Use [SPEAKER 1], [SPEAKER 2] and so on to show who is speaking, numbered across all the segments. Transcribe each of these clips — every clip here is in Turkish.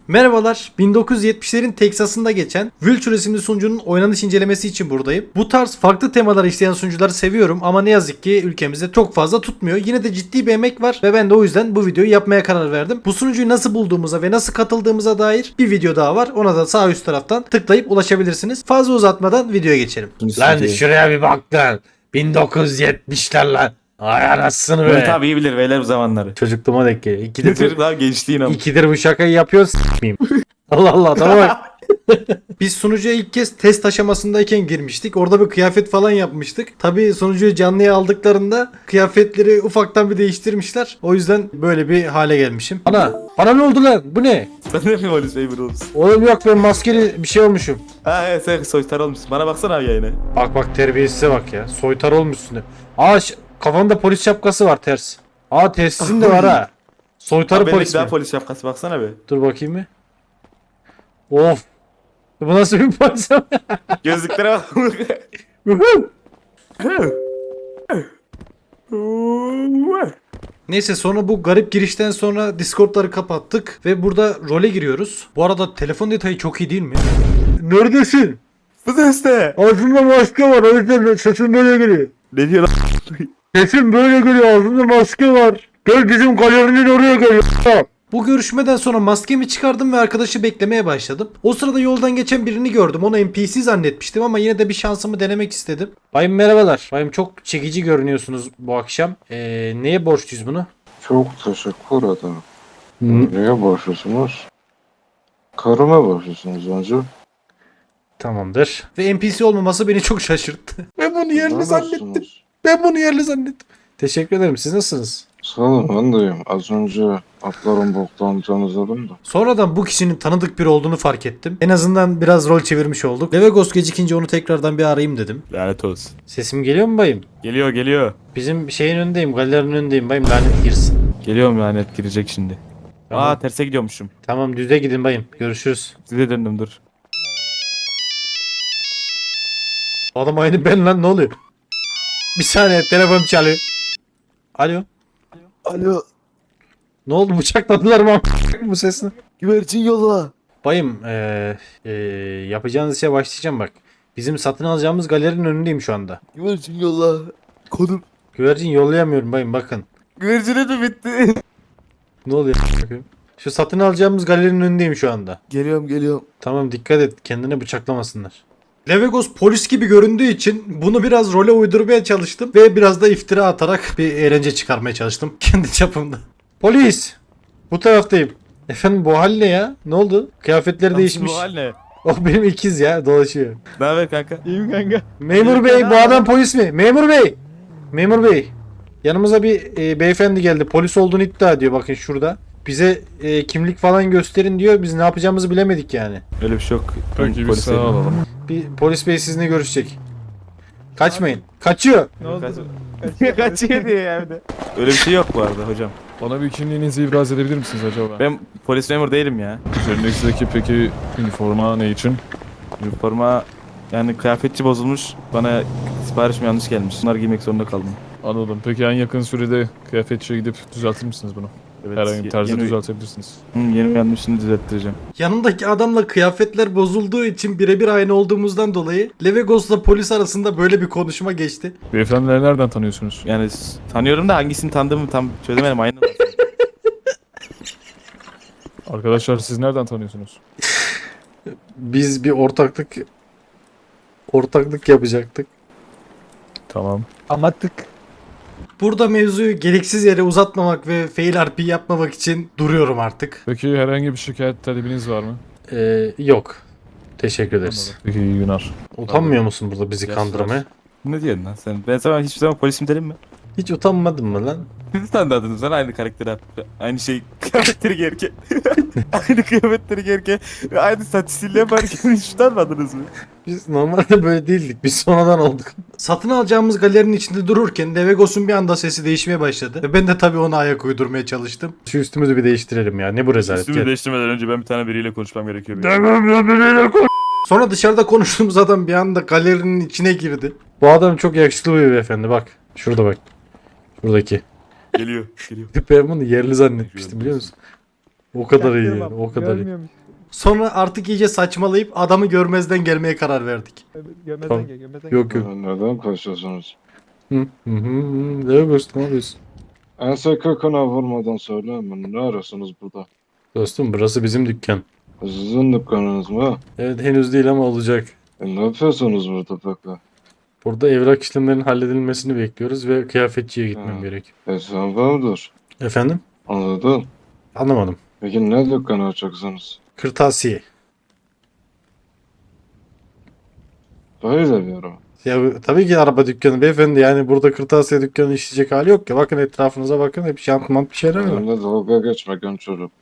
[SPEAKER 1] Merhabalar, 1970'lerin Teksas'ında geçen Vulture isimli sunucunun oynanış incelemesi için buradayım. Bu tarz farklı temalar işleyen sunucuları seviyorum ama ne yazık ki ülkemizde çok fazla tutmuyor. Yine de ciddi bir emek var ve ben de o yüzden bu videoyu yapmaya karar verdim. Bu sunucuyu nasıl bulduğumuza ve nasıl katıldığımıza dair bir video daha var. Ona da sağ üst taraftan tıklayıp ulaşabilirsiniz. Fazla uzatmadan videoya geçelim.
[SPEAKER 2] Lan şuraya bir bak lan. 1970'ler lan. Ay anasını
[SPEAKER 3] Evet
[SPEAKER 2] be.
[SPEAKER 3] abi iyi bilir beyler bu zamanları.
[SPEAKER 1] Çocukluğuma denk geliyor.
[SPEAKER 3] Çocuklar gençliğin ama.
[SPEAKER 1] İkidir bu şakayı yapıyorsun s**meyim. Allah Allah tamam. Biz sunucuya ilk kez test aşamasındayken girmiştik. Orada bir kıyafet falan yapmıştık. Tabii sunucuyu canlıya aldıklarında kıyafetleri ufaktan bir değiştirmişler. O yüzden böyle bir hale gelmişim. Bana ne oldu lan? Bu ne?
[SPEAKER 3] Sen de mi polis memur olmuşsun?
[SPEAKER 1] Oğlum yok ben maskeli bir şey olmuşum.
[SPEAKER 3] Ha evet sen soytar olmuşsun. Bana baksana abi yayına.
[SPEAKER 1] Bak terbiyesize bak ya. Soytar olmuşsun. Kafanda polis şapkası var ters. Telsizin de var ha. Soytarı
[SPEAKER 3] Abi
[SPEAKER 1] polis
[SPEAKER 3] bendeki daha
[SPEAKER 1] mi?
[SPEAKER 3] polis şapkası baksana be.
[SPEAKER 1] Dur bakayım bir. Of. Bu nasıl bir polis?
[SPEAKER 3] Gözlüklere bak.
[SPEAKER 1] Neyse sonra bu garip girişten sonra Discord'ları kapattık ve burada role giriyoruz. Bu arada telefon detayı çok iyi değil mi? Neredesin?
[SPEAKER 3] Bu ses ne?
[SPEAKER 1] Ağzında maske var o yüzden sesin böyle geliyor.
[SPEAKER 3] Ne diyor lan?
[SPEAKER 1] Sesin böyle geliyor ağzında maske var. Gel bizim galerinin oraya gel. Bu görüşmeden sonra maskemi çıkardım ve arkadaşı beklemeye başladım. O sırada yoldan geçen birini gördüm. Onu NPC zannetmiştim ama yine de bir şansımı denemek istedim. Bayım merhabalar. Bayım çok çekici görünüyorsunuz bu akşam. Neye borçluyuz bunu?
[SPEAKER 4] Çok teşekkür ederim. Neye borçlusunuz? Karıma borçlusunuz önce.
[SPEAKER 1] Tamamdır. Ve NPC olmaması beni çok şaşırttı. Ben bunu yerli zannettim.
[SPEAKER 4] Nasılsınız?
[SPEAKER 1] Ben bunu yerli zannettim. Teşekkür ederim. Siz nasılsınız?
[SPEAKER 4] Sağ olun ben deyim. Az önce atların boktan temizledim de.
[SPEAKER 1] Sonradan bu kişinin tanıdık biri olduğunu fark ettim. En azından biraz rol çevirmiş olduk. Levegos gecikince onu tekrardan bir arayayım dedim.
[SPEAKER 3] Lanet olsun.
[SPEAKER 1] Sesim geliyor mu bayım?
[SPEAKER 3] Geliyor.
[SPEAKER 1] Bizim şeyin önündeyim, galerinin önündeyim bayım, lanet girsin.
[SPEAKER 3] Geliyorum lanet girecek şimdi.
[SPEAKER 1] Tamam.
[SPEAKER 3] Terse gidiyormuşum.
[SPEAKER 1] Tamam düze gidin bayım. Görüşürüz.
[SPEAKER 3] Size döndüm dur.
[SPEAKER 1] Adam aynı ben lan, ne oluyor? Bir saniye telefon çalıyor. Alo.
[SPEAKER 5] Alo,
[SPEAKER 1] Ne oldu, bıçakladılar mı bu sesini?
[SPEAKER 5] güvercin yolla.
[SPEAKER 1] Bayım yapacağınız işe başlayacağım bak. Bizim satın alacağımız galerinin önündeyim şu anda.
[SPEAKER 5] Güvercin yolla. Konum.
[SPEAKER 1] Güvercin yollayamıyorum bayım, bakın.
[SPEAKER 3] Güvercine de bitti.
[SPEAKER 1] Ne oluyor? Bakayım. Şu satın alacağımız galerinin önündeyim şu anda.
[SPEAKER 5] Geliyorum.
[SPEAKER 1] Tamam dikkat et, kendine bıçaklamasınlar. Levegos polis gibi göründüğü için bunu biraz role uydurmaya çalıştım ve biraz da iftira atarak bir eğlence çıkarmaya çalıştım kendi çapımda. Polis! Bu taraftayım. Efendim bu hal ne ya? Ne oldu? Kıyafetleri değişmiş.
[SPEAKER 3] Bu hal ne?
[SPEAKER 1] Oh benim ikiz ya, dolaşıyor.
[SPEAKER 3] Ne haber kanka? İyiyim kanka.
[SPEAKER 1] Memur bey, bu adam polis mi? Memur bey! Memur bey! Yanımıza bir beyefendi geldi. Polis olduğunu iddia ediyor, bakın şurada. Bize kimlik falan gösterin diyor. Biz ne yapacağımızı bilemedik yani.
[SPEAKER 3] Öyle bir şey yok.
[SPEAKER 2] Peki bir sağ olalım.
[SPEAKER 1] Bir polis bey sizinle görüşecek. Kaçmayın. Kaçıyor.
[SPEAKER 3] Kaçıyor diye evde. Öyle bir şey yok bu arada hocam.
[SPEAKER 2] Bana bir kimliğinizi ibraz edebilir misiniz acaba?
[SPEAKER 3] Ben polis memur değilim ya.
[SPEAKER 2] Üzerinizdeki peki üniforma ne için?
[SPEAKER 3] Üniforma yani kıyafetçi bozulmuş. Bana siparişim yanlış gelmiş. Bunları giymek zorunda kaldım.
[SPEAKER 2] Anladım. Peki en yakın sürede kıyafetçiye gidip düzeltir misiniz bunu?
[SPEAKER 3] Evet,
[SPEAKER 2] Herhangi bir tarzda
[SPEAKER 3] yeni,
[SPEAKER 2] düzeltebilirsiniz.
[SPEAKER 3] yeni yanlışını düzelttireceğim.
[SPEAKER 1] Yanındaki adamla kıyafetler bozulduğu için birebir aynı olduğumuzdan dolayı Levegos'la polis arasında böyle bir konuşma geçti.
[SPEAKER 2] Beyefendileri nereden tanıyorsunuz?
[SPEAKER 3] Yani tanıyorum da hangisini tanıdığımı tam çözemedim aynı.
[SPEAKER 2] Arkadaşlar siz nereden tanıyorsunuz?
[SPEAKER 1] Biz bir ortaklık yapacaktık.
[SPEAKER 2] Tamam.
[SPEAKER 5] Anlattık.
[SPEAKER 1] Burada mevzuyu gereksiz yere uzatmamak ve fail RP yapmamak için duruyorum artık.
[SPEAKER 2] Peki herhangi bir şikayet talebiniz var mı?
[SPEAKER 1] Yok. Teşekkür ederiz.
[SPEAKER 2] Peki iyi günler.
[SPEAKER 1] Utanmıyor musun burada bizi
[SPEAKER 3] Yaşlar.
[SPEAKER 1] kandırmaya?
[SPEAKER 3] Ne diyorsun lan sen? Ben sana hiçbir zaman polisim dedim mi?
[SPEAKER 1] Hiç utanmadın mı lan?
[SPEAKER 3] Siz tanıdınız lan aynı karakteri aynı şey kıyafetleri giyerken. Aynı kıyafetleri giyerken ve aynı saç stili yaparken hiç utanmadınız mı?
[SPEAKER 1] Biz normalde böyle değildik. Biz sonradan olduk. Satın alacağımız galerinin içinde dururken Levegos'un bir anda sesi değişmeye başladı. Ve ben de tabii ona ayak uydurmaya çalıştım. Şu üstümüzü bir değiştirelim ya. Ne bu rezalet.
[SPEAKER 3] Üstümü değiştirmeden önce ben bir tane biriyle konuşmam gerekiyor.
[SPEAKER 1] Sonra dışarıda konuştuğumuz adam bir anda galerinin içine girdi. Bu adam çok yakışıklı bir beyefendi, bak. Şurada bak. Şuradaki.
[SPEAKER 3] Geliyor.
[SPEAKER 1] Ben bunu yerli zannetmiştim biliyor musun? O kadar iyi
[SPEAKER 6] Çaktırmam,
[SPEAKER 1] yani, o kadar iyi.
[SPEAKER 6] Görmüyormuş.
[SPEAKER 1] Sonra artık iyice saçmalayıp adamı görmezden gelmeye karar verdik.
[SPEAKER 6] Gömezden
[SPEAKER 1] Tamam.
[SPEAKER 6] gel, gömezden gel.
[SPEAKER 1] Yok yok.
[SPEAKER 4] Neden kaçıyorsunuz?
[SPEAKER 1] Ne yapıyorsun, ne yapıyorsun?
[SPEAKER 4] Ense köküne vurmadan söyleyin. Ne arıyorsunuz burada?
[SPEAKER 1] Dostum burası bizim dükkan.
[SPEAKER 4] Sizin dükkanınız mı?
[SPEAKER 1] Evet henüz değil ama olacak.
[SPEAKER 4] Ne yapıyorsunuz burada peki?
[SPEAKER 1] Burada evrak işlemlerinin halledilmesini bekliyoruz ve kıyafetçiye gitmem
[SPEAKER 4] Ha.
[SPEAKER 1] gerek.
[SPEAKER 4] Sen vardır.
[SPEAKER 1] Efendim?
[SPEAKER 4] Anladım.
[SPEAKER 1] Anlamadım.
[SPEAKER 4] Peki ne dükkanı açacaksınız?
[SPEAKER 1] Kırtasiye.
[SPEAKER 4] Böyle bir araba.
[SPEAKER 1] Ya tabii ki araba dükkanı beyefendi, yani burada kırtasiye dükkanı işleyecek hali yok ya. Bakın etrafınıza bakın, hep şantmant bir şeyler var.
[SPEAKER 4] Benimle dalga geçme genç çocuk.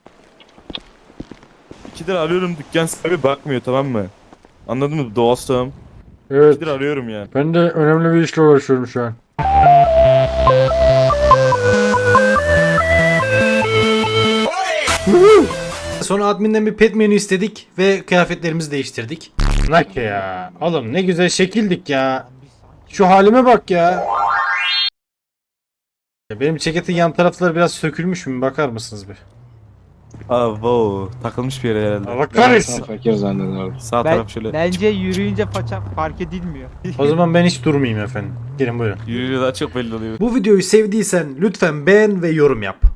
[SPEAKER 3] 2 lira arıyorum, dükkan sahibi bakmıyor, tamam mı? Anladın mı dostum? 2
[SPEAKER 1] Evet.
[SPEAKER 3] lira arıyorum yani.
[SPEAKER 1] Ben de önemli bir işle uğraşıyorum şu an. Sonra adminden bir pet menü istedik ve kıyafetlerimizi değiştirdik. Nak ya. Oğlum ne güzel şekildik ya. Şu halime bak ya. Benim ceketin yan tarafları biraz sökülmüş mü? Bakar mısınız bir?
[SPEAKER 3] Aa wow, takılmış bir yere herhalde.
[SPEAKER 1] Allah
[SPEAKER 4] Ben
[SPEAKER 1] kahretsin.
[SPEAKER 4] fakir zannederdim.
[SPEAKER 3] Sağ taraf şöyle.
[SPEAKER 6] Bence yürüyünce faça fark edilmiyor.
[SPEAKER 1] O zaman ben hiç durmayayım efendim. Gelin buyurun.
[SPEAKER 3] Yürüyünce daha çok belli oluyor.
[SPEAKER 1] Bu videoyu sevdiysen lütfen beğen ve yorum yap.